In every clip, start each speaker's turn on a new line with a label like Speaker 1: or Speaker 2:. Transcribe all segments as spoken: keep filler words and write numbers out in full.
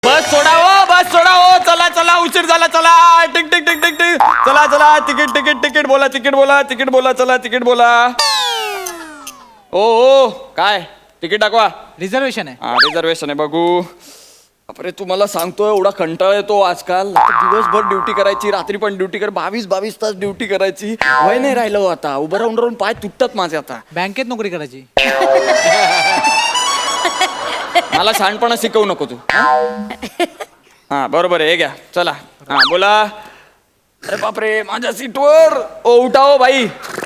Speaker 1: बस सोडा हो, बस सोडा हो, चला चला उशीर झाला, चला टिक टिक टिक टिक टिक, चला चला तिकीट तिकीट तिकीट बोला, तिकीट बोला, तिकीट बोला, चला तिकीट बोला. ओ ओ काय तिकीट दाखवा.
Speaker 2: रिझर्वेशन आहे.
Speaker 1: हा रिझर्वेशन आहे बघू. अरे तुम्हाला सांगतोय एवढा कंटाळा येतो आजकाल. दिवसभर ड्युटी करायची, रात्री पण ड्युटी कर, बावीस बावीस तास ड्युटी करायची. वय नाही राहिलं हो आता. उभं राहून राहून पाय तुटतात माझे आता.
Speaker 2: बँकेत नोकरी करायची.
Speaker 1: मला शहाणपणा शिकवू नको तू. हा बरोबर आहे, हे घ्या चला. हा बोला. अरे बापरे माझ्या सीटवर. ओ उठा हो बाई.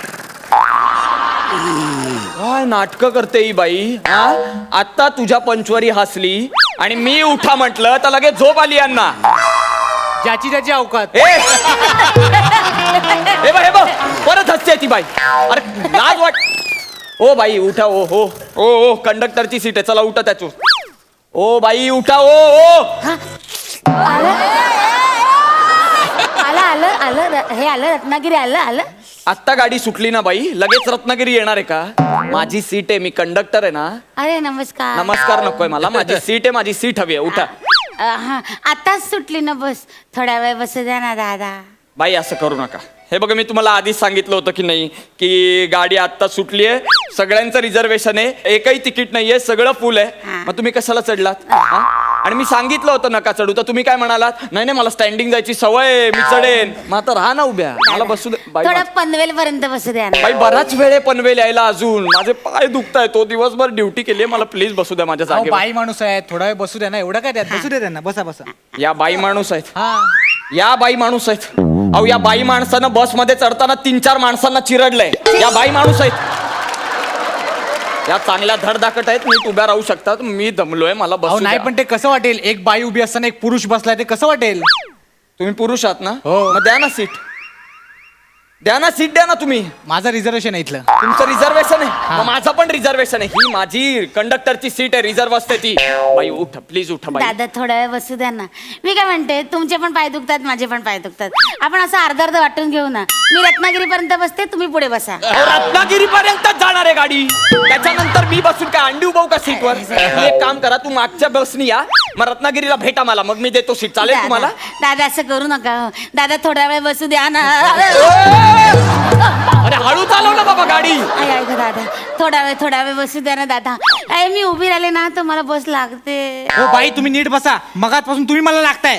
Speaker 1: काय नाटक करते ही बाई. हा आता तुझ्या पंचवरी हसली आणि मी उठा म्हटलं तर लगेच झोप आली यांना.
Speaker 2: ज्याची ज्याची अवकात.
Speaker 1: हे हे बघ हे बघ परत हसते ती बाई. अरे लाज वाट. ओ बाई उठा. ओ हो ओ ओ कंडक्टरची सीट आहे, चला उठा त्याचू. ओ बाई उठा. ओ ओ
Speaker 3: आलं आलं आलं हे आलं रत्नागिरी आलं आलं.
Speaker 1: आत्ता गाडी सुटली ना बाई, लगेच रत्नागिरी येणार आहे का? माझी सीट आहे, मी कंडक्टर आहे ना.
Speaker 3: अरे नमस्कार.
Speaker 1: नमस्कार नकोय मला, माझी सीट आहे, माझी सीट हवी आहे. उठा.
Speaker 3: अ, हा आताच सुटली ना बस, थोड्या वेळ बसू द्या ना दादा.
Speaker 1: बाई असं करू नका. हे बघा मी तुम्हाला आधीच सांगितलं होतं की नाही की गाडी आत्ता सुटली आहे, सगळ्यांचं रिझर्वेशन आहे, एकही तिकीट नाहीये, सगळं फुल आहे. मग तुम्ही कशाला चढलात? हा? आणि मी सांगितलं होतं नका चढू, तर तुम्ही काय म्हणालात? नाही नाही मला स्टँडिंग जायची सवय आहे, मी चढेन. मग आता राहा ना उभ्या, मला बसू दे. बाई
Speaker 3: थोडं
Speaker 1: मा-
Speaker 3: पनवेल पर्यंत बसू द्या ना.
Speaker 1: बाई बराच वेळ आहे पनवेल यायला अजून. माझे पाय दुखताय, तो दिवसभर ड्युटी केली, मला प्लीज बसू द्या माझ्या
Speaker 2: अहो,
Speaker 1: जागेवर.
Speaker 2: बाई माणूस आहे, थोडा वेळ बसू द्या ना. एवढं काय त्यात, बसू दे त्यांना. बसा बसा.
Speaker 1: या बाई माणूस आहेत.
Speaker 2: हा
Speaker 1: या बाई माणूस आहेत. अहो या बाई माणसानं बस मध्ये चढताना तीन चार माणसांना चिरडलंय. या बाई माणूस आहेत. या चांगल्या धडधाकट आहेत, नीट उभ्या राहू शकतात. मी दमलोय, मला
Speaker 2: अहो
Speaker 1: बसू
Speaker 2: नाही
Speaker 1: द्या.
Speaker 2: पण ते कसं वाटेल, एक बाई उभी असताना एक पुरुष बसलाय, ते कसं वाटेल?
Speaker 1: तुम्ही पुरुष आहात ना?
Speaker 2: हो.
Speaker 1: मग द्या ना सीट. द्या ना सीट, द्या ना तुम्ही.
Speaker 2: माझं रिझर्वेशन आहे इथलं.
Speaker 1: तुमचं रिझर्वेशन आहे, मग माझं पण रिझर्वेशन आहे. ही माझी कंडक्टरची सीट आहे, रिझर्व असते ती. बाई उठा प्लीज, उठा बाई.
Speaker 3: दादा थोडा वेळ बसू द्या ना. मी काय म्हणते, तुमचे पण पाय दुखतात, माझे पण पाय दुखतात. आपण असं अर्धा अर्ध वाटून घेऊ ना. मी रत्नागिरी पर्यंत बसते, तुम्ही पुढे बसा.
Speaker 1: रत्नागिरी पर्यंत जाणार आहे गाडी, त्याच्यानंतर मी बसून काय अंडी उभाऊ का सीटवर? तुम्ही एक काम करा, तू मागच्या बसनी या, मग रत्नागिरीला भेटा मला, मग मी देतो सीट. चालेल
Speaker 3: दादा
Speaker 1: तुम्हाला?
Speaker 3: दादा असं करू नका हो. दादा थोडा वेळ बसू द्या ना.
Speaker 1: अरे हळू चालव ना बाबा गाडी.
Speaker 3: आई ऐक दादा, थोडा वेळ थोडा वेळ बसू द्या ना दादा. अरे मी उभी राहिले ना तर मला बस लागते.
Speaker 2: हो बाई तुम्ही नीट बसा, मगाचपासून तुम्ही मला लागताय.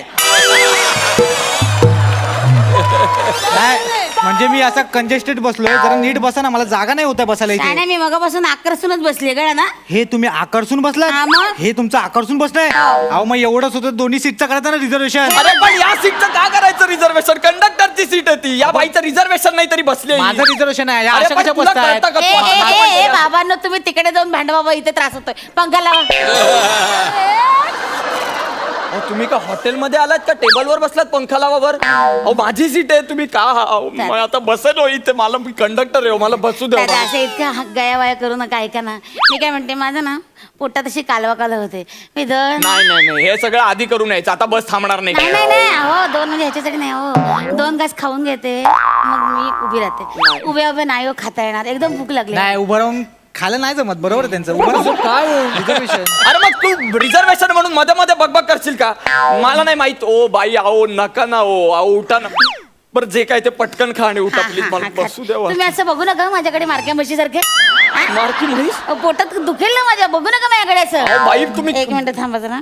Speaker 2: नाही, म्हणजे मी असा कंजेस्टेड बसलोय, जरा नीट बसा ना, मला जागा नाही होता बसायला
Speaker 3: काय
Speaker 2: इथे.
Speaker 3: नाही, मी मगापासून आकर्षूनच बसली कळ ना.
Speaker 2: हे तुम्ही आकर्षून
Speaker 3: हा
Speaker 2: बसलात?
Speaker 3: मग?
Speaker 2: हे तुमचं आकर्षून बसलंय? अहो मग एवढंच होतं, दोन्ही सीटचं करायचं ना रिझर्वेशन.
Speaker 1: अरे पण या सीटचं का करायचं रिझर्वेशन? कंडक्टरची सीट आहे ती. या बाईचं रिझर्वेशन नाही तरी बसली.
Speaker 2: माझं रिझर्वेशन आहे. या
Speaker 1: अरे
Speaker 2: अशा
Speaker 1: पण
Speaker 2: कशा
Speaker 1: तुला
Speaker 2: बसतायत?
Speaker 1: कळतं का
Speaker 3: ए,
Speaker 1: तू?
Speaker 3: ए,
Speaker 1: हा,
Speaker 3: ए,
Speaker 1: पण
Speaker 3: ए,
Speaker 1: या-
Speaker 3: बाबांनो तुम्ही तिकडे जाऊन भांडा बाबा, इथे त्रास होतोय. पंखा लावा.
Speaker 1: अहो, तुम्ही का हॉटेलमध्ये आलात का टेबलवर बसलात पंखा लावावर? अहो माझी सीट आहे, तुम्ही का? अहो, मग आता बसेल हो इथे, मला मी कंडक्टर आहे हो, मला बसू द्या.
Speaker 3: दादा असं इतकं गया वाया करू नका. ऐका ना, मी काय म्हणते, माझं ना पोटात अशी कालवा कालव होते. मी दोन
Speaker 1: नाही नाही नाही, हे सगळं आधी करून यायचं. आता बस थांबणार नाही.
Speaker 3: नाही नाही नाही हो, दोन म्हणजे ह्याच्यासाठी नाही हो. दोन घास खाऊन घेते, मग मी उभी राहते. उभ्या उभ्या नाही हो खाता येणार, एकदम भूक लागली.
Speaker 2: नाही उभं राहून खायला नाही जमत. बरोबर आहे त्यांचं. उभं
Speaker 1: असं
Speaker 2: राहून
Speaker 1: काय
Speaker 2: रिझर्वेशन.
Speaker 1: अरे मग तू रिझर्वेशन म्हणून मध्ये मध्ये बकबक करशील का? मला नाही माहित. ओ बाई अहो नका ना. ओ अहो उठा ना. बरं जे काय ते पटकन खा आणि उठा
Speaker 3: हा,
Speaker 1: प्लीज,
Speaker 3: हा,
Speaker 1: मला
Speaker 3: हा,
Speaker 1: बसू
Speaker 3: खा.
Speaker 1: द्यावा.
Speaker 3: तुम्ही असं बघू नका माझ्याकडे मारक्या म्हशी सारखे.
Speaker 1: मारकी म्हैस?
Speaker 3: पोटात दुखेल ना माझ्या, बघू नका माझ्याकडे
Speaker 1: अहो,
Speaker 3: असं.
Speaker 1: बाई तुम्ही
Speaker 3: एक मिनिट थांबा जरा.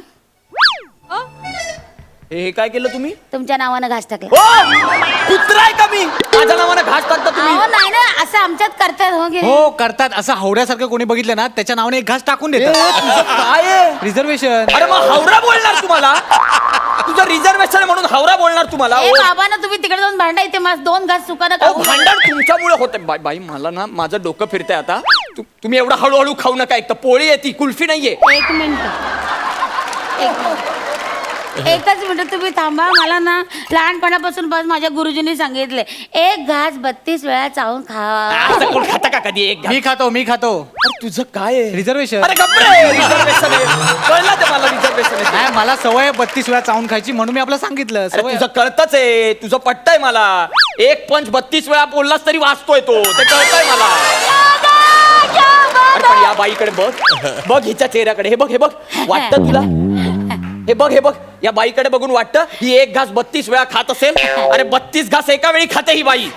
Speaker 1: हे काय केलं तुम्ही?
Speaker 3: तुमच्या नावानं घास टाकला.
Speaker 1: ओ कुत्रा आहे का मी? माझ्या नावाने घास टाकता तुम्ही?
Speaker 3: अहो नाही ना, असं आमच्यात करतात हो. गेले.
Speaker 2: हो करतात. असं हावड्यासारखं कोणी बघितलं ना, त्याच्या नावाने एक घास टाकून
Speaker 1: ए,
Speaker 2: देतात.
Speaker 1: तुझं काय आहे?
Speaker 2: रिझर्वेशन.
Speaker 1: अरे मग हावरा बोलणार तुम्हाला? तुझं रिझर्वेशन म्हणून हावरा बोलणार तुम्हाला?
Speaker 3: ए
Speaker 1: ओ,
Speaker 3: बाबा ना, तुम्ही तिकडे जाऊन भांडा, इथे माझं दोन घास सुकानं
Speaker 1: अहो,
Speaker 3: खाऊ.
Speaker 1: भांडण तुमच्यामुळे होते. बाई बाई मला ना माझं डोकं फिरतंय आता. तु- तुम्ही एवढा हळूहळू खाऊ नका. एक तर पोळी आहे ती, कुल्फी नाहीये.
Speaker 3: एक मिनिट एक मिनिट. एकच मिनिट तुम्ही थांबा. मला ना लहानपणापासून बस माझ्या गुरुजींनी सांगितले, एक घास बत्तीस वेळा चावून खा.
Speaker 1: असं कोण खाता का कधी एक घास?
Speaker 2: मी खातो मी खातो
Speaker 1: अरे तुझं काय आहे?
Speaker 2: रिझर्वेशन.
Speaker 1: अरे गप्रे, रिझर्वेशन आहे. कळलं ते मला रिझर्वेशन आहे.
Speaker 2: नाही मला सवय बत्तीस वेळा चावून खायची, म्हणून मी आपलं सांगितलं.
Speaker 1: अरे
Speaker 2: सवय.
Speaker 1: तुझं कळतच आहे, तुझं पटतंय मला. एक पंच बत्तीस वेळा बोललास तरी वाचतोय तो, ते कळतंय मला. अरे पण या बाईकडे बघ, बघ हिच्या चेहऱ्याकडे, हे बघ हे बघ, वाटतं तुला? हे बघ हे बघ या बाईकडे बघून वाटतं ही एक घास बत्तीस वेळा खात असेल. अरे बत्तीस घास एका वेळी खाते ही बाई.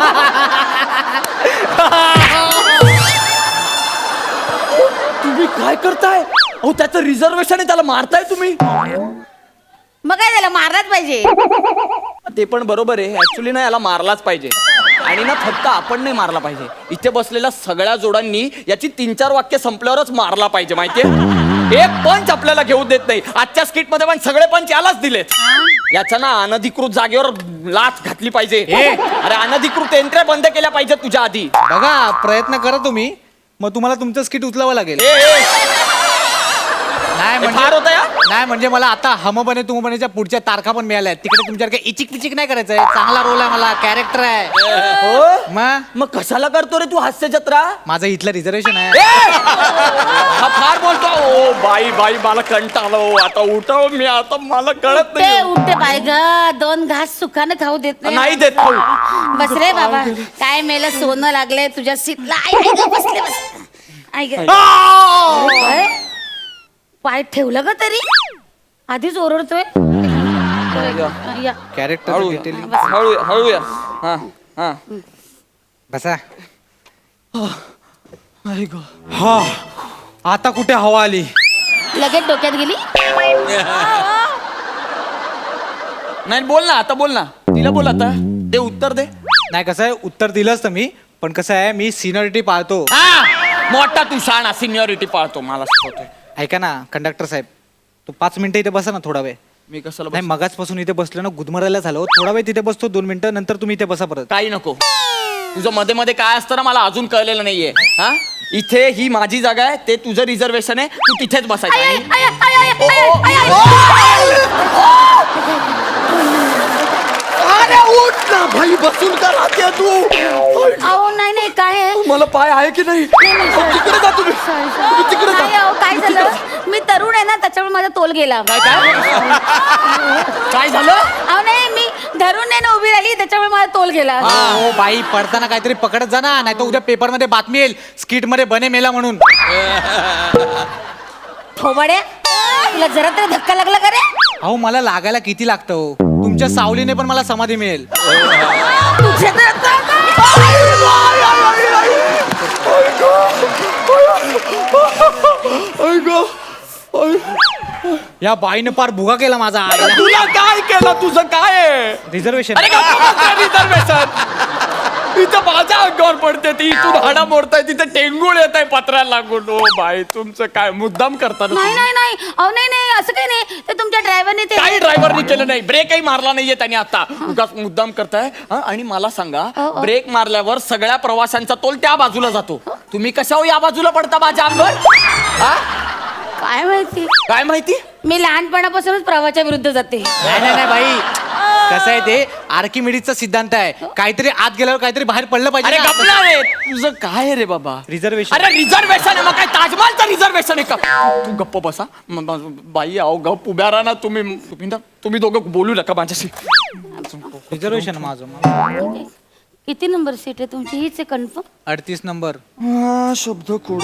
Speaker 1: तुम्ही काय करताय? अहो त्याचं रिझर्वेशन आहे, त्याला मारताय तुम्ही.
Speaker 3: मग काय झालं, मारलाच पाहिजे.
Speaker 1: ते पण बरोबर आहे. ऍक्च्युली ना याला मारलाच पाहिजे. आणि ना फक्त आपण नाही मारला पाहिजे, इथे बसलेल्या सगळ्या जोडांनी याची तीन चार वाक्य संपल्यावरच मारला पाहिजे. माहितीये एक पंच आपल्याला घेऊ देत नाही. आजच्या स्किट मध्ये पण सगळे पंच यालाच दिलेत. याच्या ना अनधिकृत जागेवर लाच घातली पाहिजे. अरे अनधिकृत एंट्र्या बंद केल्या पाहिजे तुझ्या आधी.
Speaker 2: बघा प्रयत्न करा तुम्ही, मग तुम्हाला तुमचं स्किट उचलावं लागेल.
Speaker 1: ए, ए,
Speaker 2: नाही
Speaker 1: हे
Speaker 2: म्हणजे
Speaker 1: फार होतं या.
Speaker 2: नाही म्हणजे मला आता हम बने तुम बनेच्या पुढच्या तारखा पण मिळाल्या आहेत. तिकडे तुमच्याकडे इचिक पिचिक नाही करायचंय. चांगला रोल आहे, मला कॅरेक्टर आहे.
Speaker 1: हो
Speaker 2: मग
Speaker 1: मग कशाला करतो रे तू हास्य जत्रा?
Speaker 2: माझं इथलं रिझर्वेशन आहे.
Speaker 1: ए! हा फार बोलतो. ओ बाई बाई मला कंटाळलो. आता उठाव मी, आता मला कळत
Speaker 3: ते
Speaker 1: नाही.
Speaker 3: उठते बाय ग, दोन घास सुखानं खाऊ देत
Speaker 1: नाही देत खाऊ.
Speaker 3: बस रे बाबा, काय मेलं सोनं लागले तुझ्या सीटला. आई आई ग, बसले बस. आई ग.
Speaker 1: आ!
Speaker 3: काय? पाय ठेवलं का तरी? आधीच ओरडतोय. या.
Speaker 2: कॅरेक्टर
Speaker 1: हळू
Speaker 2: डिटेलिंग.
Speaker 1: हळू हळू या. हा हा
Speaker 2: बसा. हा आता कुठे हवा आली?
Speaker 3: लगेच डोक्यात गेली.
Speaker 1: नाही बोल ना, आता बोल ना. तिला बोल आता. दे उत्तर दे.
Speaker 2: नाही कसं आहे, उत्तर दिलंच तर मी, पण कसं आहे मी सिनियरिटी पाळतो.
Speaker 1: हा मोठा तू शाणा, सिनियरिटी पाळतो. मला शिकवतोय.
Speaker 2: ऐका ना कंडक्टर साहेब, तू पाच मिनिटं इथे बसा ना थोडा वेळ.
Speaker 1: मी कशाला
Speaker 2: नाही
Speaker 1: बसू?
Speaker 2: मगाचपासून इथे बसलो ना, गुदमरायला झालो. थोडा वेळ तिथे बसतो, दोन मिनिटं नंतर तुम्ही इथे बसा परत.
Speaker 1: काही नको. तुझं मध्ये मध्ये काय असतं ना मला अजून कळलेलं नाहीये. हा इथे ही माझी जागा आहे, ते तुझं रिझर्वेशन आहे. तू तिथेच बसायचं.
Speaker 3: आई,
Speaker 1: आणि-
Speaker 3: आई, आई, आई,
Speaker 1: ओ,
Speaker 3: आई,
Speaker 1: ओ,
Speaker 3: आई, आई,
Speaker 1: ओ, अरे उठ ना भाई, बसून का राहते तू?
Speaker 3: अहो नाही नाही काय आहे?
Speaker 1: मला पाय आहे की नाही?
Speaker 3: नाही, नाही,
Speaker 1: अहो,
Speaker 3: sorry.
Speaker 1: तिकडे जा तुम्ही.
Speaker 3: Sorry, sorry.
Speaker 1: तुम्ही तिकडे जा.
Speaker 3: नाही, अहो, काय झालं, मी तरुण आहे ना, त्याच्यामुळे माझा तोल गेला.
Speaker 1: काय काय काय झालं?
Speaker 3: अहो नाही, मी धरून नाही ना उभी राहिली, त्याच्यामुळे माझा तोल गेला.
Speaker 2: हो बाई, पडताना काहीतरी पकडत जा ना, नाही तर उद्या पेपर मध्ये बातमी येईल स्किट मध्ये बने मेला म्हणून.
Speaker 3: थोबाड्या, तुला जरा तरी धक्का लागला का रे?
Speaker 2: अहो मला लागायला किती लागतं हो. तुमच्या सावलीने पण मला समाधी मिळेल.
Speaker 3: तुझ्या तर-
Speaker 2: या बाईने पार भुगा केला माझा.
Speaker 1: तुला काय केलं? तुझं काय आहे?
Speaker 2: रिझर्वेशन.
Speaker 1: अरे रिझर्वेशन इथं माझ्या अंगावर पडते ती. इथून हाडा मोडताय, तिथे टेंगुळ येत आहे पत्राला लागून. ओ बाई तुमचं काय मुद्दाम करता ना
Speaker 3: नाही
Speaker 1: तुम्ही?
Speaker 3: नाही नाही, अहो नाही नाही, असं काही नाही. ते तुमच्या ड्रायव्हरने ते
Speaker 1: काही ड्रायव्हरनी केलं नाही. ब्रेकही मारला नाहीये त्याने आता. उगाच मुद्दाम करताय. हा, आणि मला सांगा,
Speaker 3: अ, अ.
Speaker 1: ब्रेक मारल्यावर सगळ्या प्रवाशांचा तोल त्या बाजूला जातो. तुम्ही कशावर या बाजूला पडता माझ्या अंगावर? हा?
Speaker 3: काय माहिती,
Speaker 1: काय माहिती?
Speaker 3: मी लहानपणापासूनच प्रवाहाच्या विरुद्ध जाते.
Speaker 2: नाही नाही नाही बाई, कसं आहे ते आर्किमिडीजचा सिद्धांत आहे. काहीतरी आत गेल्यावर काहीतरी बाहेर पडलं
Speaker 1: अरे
Speaker 2: पाहिजे.
Speaker 1: गपला रे. तुझं काय आहे रे बाबा?
Speaker 2: रिझर्वेशन.
Speaker 1: अरे रिझर्वेशन आहे मग काय ताजमहलचं रिझर्वेशन आहे का? तू गप्प बसा. म- म- बाई अहो गप उभ्या राहा ना तुम्ही. तुम्ही ना तुम्ही दोघं बोलू नका माझ्याशी.
Speaker 2: रिझर्वेशन माझं
Speaker 3: किती नंबर सीट आहे तुमची? हीच आहे कन्फर्म?
Speaker 2: अडतीस नंबर.
Speaker 1: शब्द कोड.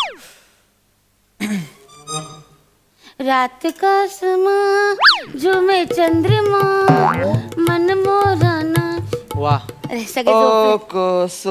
Speaker 3: रात का समा झुमे चंद्रमा मन मोराना.
Speaker 2: वा.
Speaker 3: अरे सगळे झोपले.
Speaker 1: कस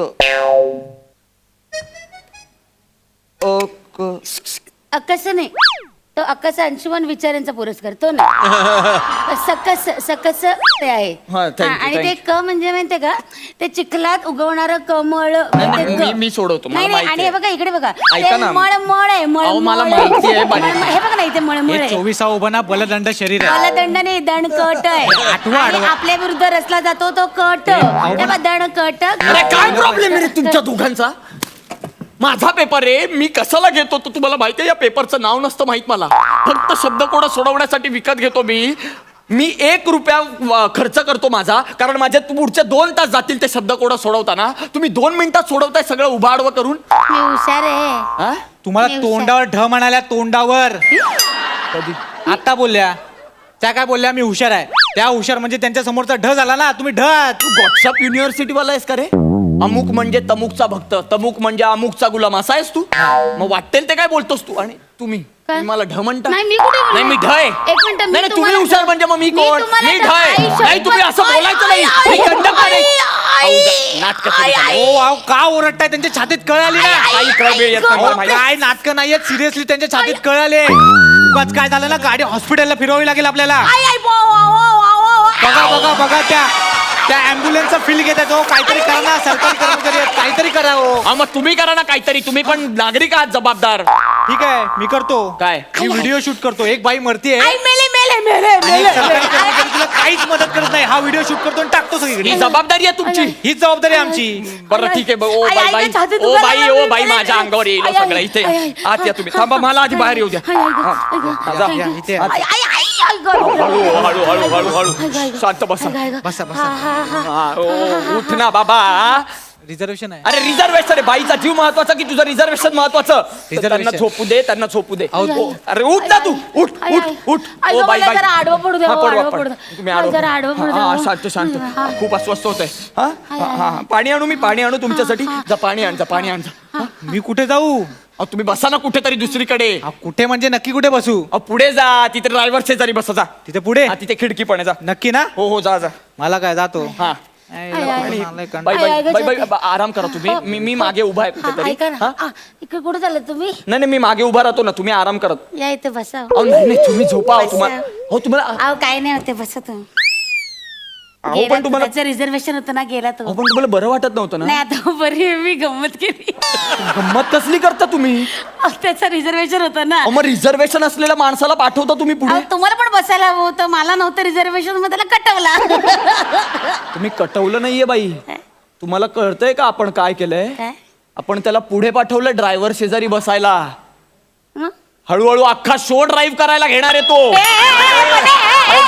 Speaker 3: अकस नाही, तो अकस अंशुमन विचारांचा पुरस्कार तो ना. सकस सकस ते आहे.
Speaker 1: हा, thank you,
Speaker 3: हा, आणि
Speaker 1: thank
Speaker 3: ते क म्हणजे माहितीये का, ते चिखलात उगवणारं कमळ.
Speaker 1: नाही,
Speaker 3: ते
Speaker 1: नाही,
Speaker 3: क.
Speaker 1: मी- मी सोडवतो, मला
Speaker 3: नाही नाही,
Speaker 1: माहिती
Speaker 3: आणि हे
Speaker 1: आहे.
Speaker 3: बघा इकडे बघा,
Speaker 1: ऐका
Speaker 3: ते
Speaker 1: ना.
Speaker 3: मळमळ आहे.
Speaker 1: अहो,
Speaker 3: मळमळ
Speaker 1: मला
Speaker 3: आहे.
Speaker 1: माहिती आहे, बाई.
Speaker 3: मळमळ- हे बघा ना, इथे मळमळ
Speaker 2: हे
Speaker 3: आहे.
Speaker 2: चोवीसा उभा बलदंड शरीर आहे.
Speaker 3: मला दंड नाही, दणकट आहे.
Speaker 2: आठवा,
Speaker 3: आणि
Speaker 2: आठवा.
Speaker 3: आपल्या विरुद्ध रचला जातो तो कट.
Speaker 2: अहो,
Speaker 3: हे बघा, दणकट.
Speaker 1: अरे काय प्रॉब्लेम आहे रे तुमच्या दोघांचा? माझा पेपर आहे, मी कशाला घेतो तो तुम्हाला माहिती आहे? या पेपरचं नाव नसतं माहित मला. फक्त शब्दकोड सोडवण्यासाठी विकत घेतो मी. मी एक रुपया व- खर्च करतो माझा, कारण माझ्या पुढचे दोन तास जातील ते शब्दकोड सोडवताना. तुम्ही दोन मिनिटात सोडवताय सगळं उभाडवं करून.
Speaker 3: मी हुशार आहे.
Speaker 1: हा?
Speaker 2: तुम्हाला
Speaker 3: मी
Speaker 2: तोंडावर ढ म्हणाल्या, तोंडावर. आता बोलल्या त्या काय बोलल्या, मी हुशार आहे. त्या हुशार म्हणजे त्यांच्या समोरचा ढ झाला ना, तुम्ही ढ.
Speaker 1: तू व्हॉट्सअप युनिव्हर्सिटी वाला आहेस का रे? अमुक म्हणजे तमुकचा भक्त, तमुक म्हणजे अमुकचा गुलाम, असा आहेस तू? मग वाटेल ते काय बोलतोस तू? आणि तुम्ही
Speaker 3: काय?
Speaker 1: तुम्ही मला ढ म्हणता
Speaker 3: नाही मी कुठे
Speaker 1: नाही मी ढ आहे.
Speaker 3: एक मिनिट
Speaker 1: नाही नाही, तुम्ही हुशार म्हणजे मग मी कोण मी ढ आहे. नाही तुम्ही असं बोलायचं नाही मी कंडक्टर आहे. नाटक
Speaker 2: ओ वाव, का ओरडताय? त्यांच्या छातीत कळ आली ना.
Speaker 1: काही कळबेळ येत नाही मला
Speaker 2: अहो,
Speaker 1: माहिती.
Speaker 2: काय नाटकं नाहीयेत, सिरियसली त्यांच्या छातीत कळ आले. उगाच काय झालं ना, गाडी हॉस्पिटलला फिरवावी लागेल आपल्याला. बघा बघा बघा त्या त्या अँब्युलन्सचा फील घेत आहेत. हो काहीतरी करा ना, सरकारी कर्मचारी आहेत, काहीतरी करा हो.
Speaker 1: हा मग तुम्ही करा ना काहीतरी. तुम्ही पण नागरिक आहात जबाबदार.
Speaker 2: ठीक आहे, मी करतो.
Speaker 1: काय?
Speaker 2: मी व्हिडिओ शूट करतो. एक बाई मरतीये
Speaker 3: आई मेले मेले मेले
Speaker 2: आणि
Speaker 3: मेले
Speaker 2: एक सरकारी कर्मचारी तिला काहीच मदत करत नाही. हा व्हिडिओ शूट करतो आणि टाकतो
Speaker 1: ही
Speaker 2: सगळीकडे.
Speaker 1: जबाबदारी आहे तुमची.
Speaker 2: हीच जबाबदारी आहे आमची.
Speaker 1: बरं ठीक आहे. ओ
Speaker 3: आई,
Speaker 1: बाई
Speaker 3: आई,
Speaker 1: बाई
Speaker 3: आई, छातीत
Speaker 1: ओ
Speaker 3: दुखायला
Speaker 1: बाई
Speaker 3: लागलं,
Speaker 1: ओ बाई
Speaker 3: मेले,
Speaker 1: माझ्या
Speaker 3: मेले.
Speaker 1: अंगावर येईल
Speaker 3: आई,
Speaker 1: सगळं
Speaker 3: आई,
Speaker 1: इथे.
Speaker 3: आई, आई,
Speaker 1: आत या तुम्ही. थांबा मला आधी बाहेर येऊ द्या.
Speaker 3: आई, आई,
Speaker 1: हा,
Speaker 3: आई, आई,
Speaker 1: हा,
Speaker 3: आई,
Speaker 1: जा.
Speaker 3: आई,
Speaker 2: या, इथे.
Speaker 3: आई, आई, आई, आई, गं.
Speaker 1: हळू हळू हळू हळू हळू
Speaker 3: आई, आई,
Speaker 1: हळू शांत बसा.
Speaker 3: आई, आई, गं.
Speaker 2: बसा, बसा.
Speaker 3: हा, हा, हा.
Speaker 1: हा, ओ, उठ ना बाबा.
Speaker 2: रिझर्वेशन आहे.
Speaker 1: अरे रिझर्वेशन आहे. बाईचा जीव महत्वाचा की तुझं रिझर्वेशन महत्वाचं? तर त्यांना
Speaker 2: Reservation.
Speaker 1: झोपू दे, त्यांना झोपू दे.
Speaker 2: अहो,
Speaker 1: ओ, अरे उठ ना तू. उठ
Speaker 3: आई,
Speaker 1: उठ
Speaker 3: आई.
Speaker 1: उठ.
Speaker 3: आई,
Speaker 1: ओ
Speaker 3: गं,
Speaker 1: बाई
Speaker 3: मला
Speaker 1: बाई.
Speaker 3: जरा आडवं पडू द्या,
Speaker 1: हा,
Speaker 3: हो,
Speaker 1: पडवा,
Speaker 3: आडवं
Speaker 1: पडवा.
Speaker 3: पडू द्या.
Speaker 1: तुम्ही
Speaker 3: मला
Speaker 1: आडवं
Speaker 3: जरा आडवं पडू द्या,
Speaker 1: हा, हा,
Speaker 3: हो.
Speaker 1: शांत शांत.
Speaker 3: हा.
Speaker 1: खूप अस्वस्थ होत आहे. हा हा, हा, हा. पाणी आणू मी पाणी आणू तुमच्यासाठी. जा पाणी आण जा पाणी आण जा.
Speaker 2: मी कुठे जाऊ?
Speaker 1: अहो तुम्ही बसा ना कुठेतरी दुसरीकडे.
Speaker 2: अहो, कुठे म्हणजे नक्की कुठे बसू?
Speaker 1: अहो पुढे जा. तिथे ड्रायव्हर शेजारी बसा जा.
Speaker 2: तिथे पुढे?
Speaker 1: हा तिथे खिडकी पण आहे जा.
Speaker 2: नक्की ना?
Speaker 1: हो हो जा जा.
Speaker 2: मला काय, जातो.
Speaker 1: हा
Speaker 2: आई,
Speaker 3: आई, आई.
Speaker 2: लवकर आलाय कंटाळा.
Speaker 1: बाई
Speaker 3: आई, आई,
Speaker 1: बाई
Speaker 3: गं,
Speaker 1: बाई
Speaker 3: जाते.
Speaker 1: बाई आराम करा तुम्ही. मी मी मागे उभा आहे
Speaker 3: हा,
Speaker 1: कुठेतरी.
Speaker 3: ऐका
Speaker 1: हा?
Speaker 3: ना. आ, इकडे कुठे चालले तुम्ही?
Speaker 1: नाही नाही मी मागे उभा राहतो ना. तुम्ही आराम करत.
Speaker 3: या इथे बसा.
Speaker 1: अहो नाही नाही तुम्ही झोपा. अहो, तुम्हाला हो तुम्हाला
Speaker 3: अहो काय नाही होते बसा तुम्ही.
Speaker 1: अहो
Speaker 3: गेला
Speaker 1: पण तुम्हाला
Speaker 3: त्याचं रिझर्वेशन होतं ना, गेला तो.
Speaker 1: अहो पण तुम्हाला बरं वाटत नव्हतं ना?
Speaker 3: नाही आता बरी आहे, मी गंमत केली.
Speaker 1: गंमत कसली करता तुम्ही?
Speaker 3: अहो, त्याचं रिझर्वेशन होतं ना.
Speaker 1: अहो मग रिझर्वेशन असलेल्या माणसाला पाठवता तुम्ही पुढे.
Speaker 3: अहो, तुम्हाला पण बसायला हवं होतं, मला नव्हतं रिझर्वेशन, मग त्याला कटवला.
Speaker 1: तुम्ही कटवलं नाहीये बाई. तुम्हाला कळतंय का आपण काय केलंय?
Speaker 3: काय?
Speaker 1: आपण त्याला पुढे पाठवलं ड्रायव्हर शेजारी बसायला.
Speaker 3: हं?
Speaker 1: हळूहळू अख्खा शो ड्राईव्ह करायला घेणार आहे तो.
Speaker 3: ए, ए, ए, ए, ए, ए,